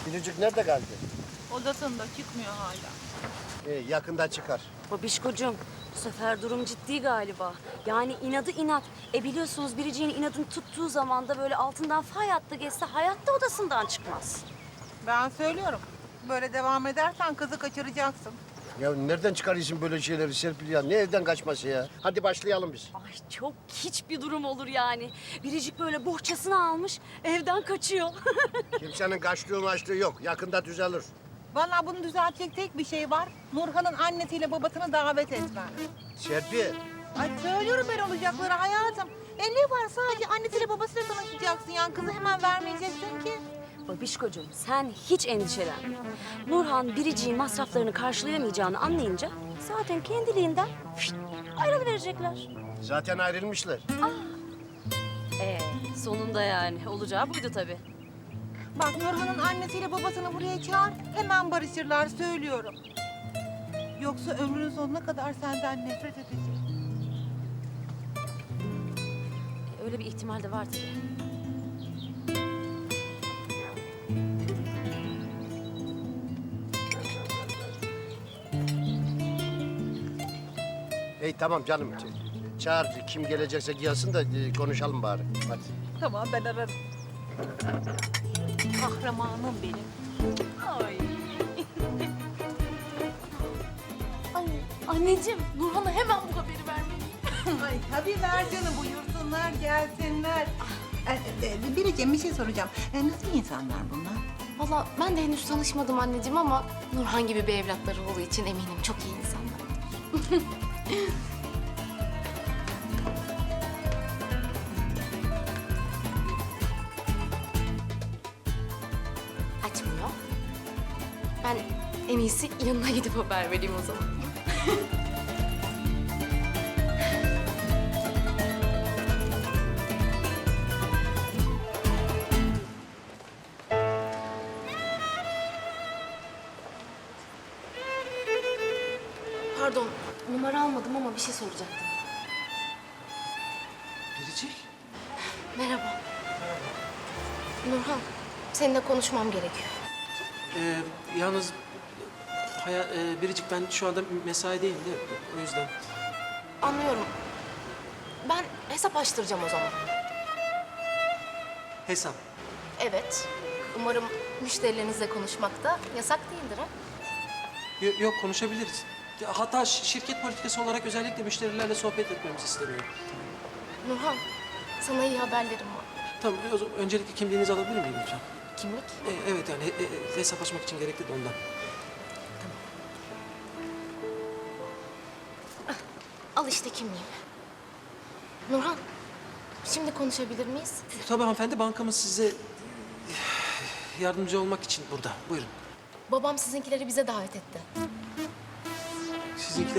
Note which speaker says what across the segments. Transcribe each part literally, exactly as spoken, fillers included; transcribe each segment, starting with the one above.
Speaker 1: Biricik nerede kaldı?
Speaker 2: Odasında çıkmıyor hala.
Speaker 1: Ee, yakında çıkar.
Speaker 3: Babişkocuğum, bu sefer durum ciddi galiba. Yani inadı inat. E biliyorsunuz Biricik'in inadını tuttuğu zaman da böyle altından fay hattı geçse hayatta odasından çıkmaz.
Speaker 2: Ben söylüyorum. Böyle devam edersen kızı kaçıracaksın.
Speaker 1: Ya nereden çıkarıyorsun böyle şeyleri Serpil ya? Ne evden kaçması ya? Hadi başlayalım biz.
Speaker 3: Ay çok hiç bir durum olur yani. Biricik böyle bohçasını almış, evden kaçıyor.
Speaker 1: Kimsenin kaçtığı maçtığı yok. Yakında düzelir.
Speaker 2: Vallahi bunu düzeltecek tek bir şey var. Nurhan'ın annesiyle babasını davet etmen.
Speaker 1: Serpil.
Speaker 2: Ay söylüyorum ben olacakları hayatım. E ne var, sadece annesiyle babasıyla tanışacaksın yani, kızı hemen vermeyeceksin ki.
Speaker 3: Babişkocuğum sen hiç endişelenme. Nurhan Biricik'in masraflarını karşılayamayacağını anlayınca zaten kendiliğinden fişt, ayrılıverecekler.
Speaker 1: Zaten ayrılmışlar.
Speaker 3: Ee, sonunda yani. Olacağı buydu tabii.
Speaker 2: Bak Nurhan'ın annesiyle babasını buraya çağır. Hemen barışırlar, söylüyorum. Yoksa ömrünün sonuna kadar senden nefret edecek.
Speaker 3: Öyle bir ihtimal de var tabii.
Speaker 1: Hey tamam canım. Çağır kim gelecekse gelsin de e, konuşalım bari. Hadi.
Speaker 2: Tamam, ben ararım. Kahramanım benim.
Speaker 3: Ay. Ay anneciğim Nurhan'a hemen bu haberi vermeliyim.
Speaker 2: Ay tabii ver canım, buyursunlar gelsinler. Ee, e, Biricim bir şey soracağım. E, nasıl insanlar bunlar?
Speaker 4: Valla ben de henüz tanışmadım anneciğim ama Nurhan gibi bir evlatları olduğu için eminim çok iyi insanlar. Açmıyor. Ben en iyisi yanına gidip haber vereyim o zaman. Pardon, numara almadım ama bir şey soracaktım.
Speaker 5: Biricik.
Speaker 4: Merhaba. Nurhan, seninle konuşmam gerekiyor.
Speaker 5: Ee, yalnız haya, e, Biricik ben şu anda mesaideyim de o yüzden.
Speaker 4: Anlıyorum. Ben hesap açtıracağım o zaman.
Speaker 5: Hesap.
Speaker 4: Evet. Umarım müşterilerinizle konuşmak da yasak değildir ha?
Speaker 5: Yo- yok konuşabiliriz. Ya, hatta şi- şirket politikası olarak özellikle müşterilerle sohbet etmemiz isteniyor.
Speaker 4: Nurhan, sana iyi haberlerim var.
Speaker 5: Tamam o zaman öncelikle kimliğinizi alabilir miyim lütfen?
Speaker 4: Kimlik?
Speaker 5: Ee, evet yani he- he- hesap açmak için gerekli de ondan.
Speaker 4: Al işte kimliğimi. Nurhan, şimdi konuşabilir miyiz?
Speaker 5: Tabii hanımefendi, bankamız size yardımcı olmak için burada. Buyurun.
Speaker 4: Babam sizinkileri bize davet etti.
Speaker 5: Sizinkiler...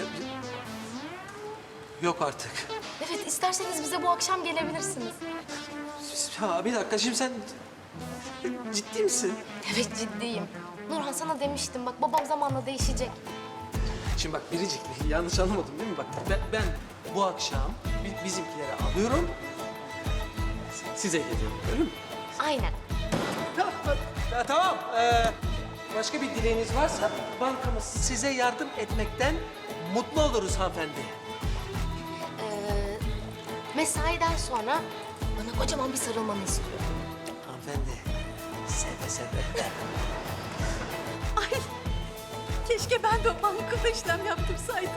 Speaker 5: Yok artık.
Speaker 4: Evet, isterseniz bize bu akşam gelebilirsiniz.
Speaker 5: Ya bir dakika, şimdi sen ciddi misin?
Speaker 4: Evet, ciddiyim. Nurhan, sana demiştim bak, babam zamanla değişecek.
Speaker 5: Şimdi bak Biricik, yanlış anlamadım değil mi? Bak ben, ben bu akşam bi- bizimkileri alıyorum, size geliyorum, öyle mi?
Speaker 4: Aynen.
Speaker 5: Tamam, ya, tamam. Ee, başka bir dileğiniz varsa bankamız size yardım etmekten mutlu oluruz hanımefendi.
Speaker 4: Ee, mesaiden sonra bana kocaman bir sarılmanı istiyorum.
Speaker 5: Hanımefendi, seve seve.
Speaker 3: Ay keşke ben de o bankada işlem yaptırsaydım.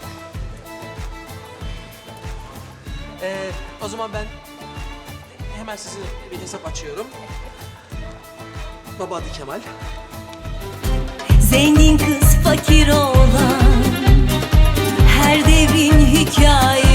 Speaker 5: Ee, o zaman ben hemen size bir hesap açıyorum. Baba adı Kemal.
Speaker 6: Zengin kız fakir olan her devrin hikayesi.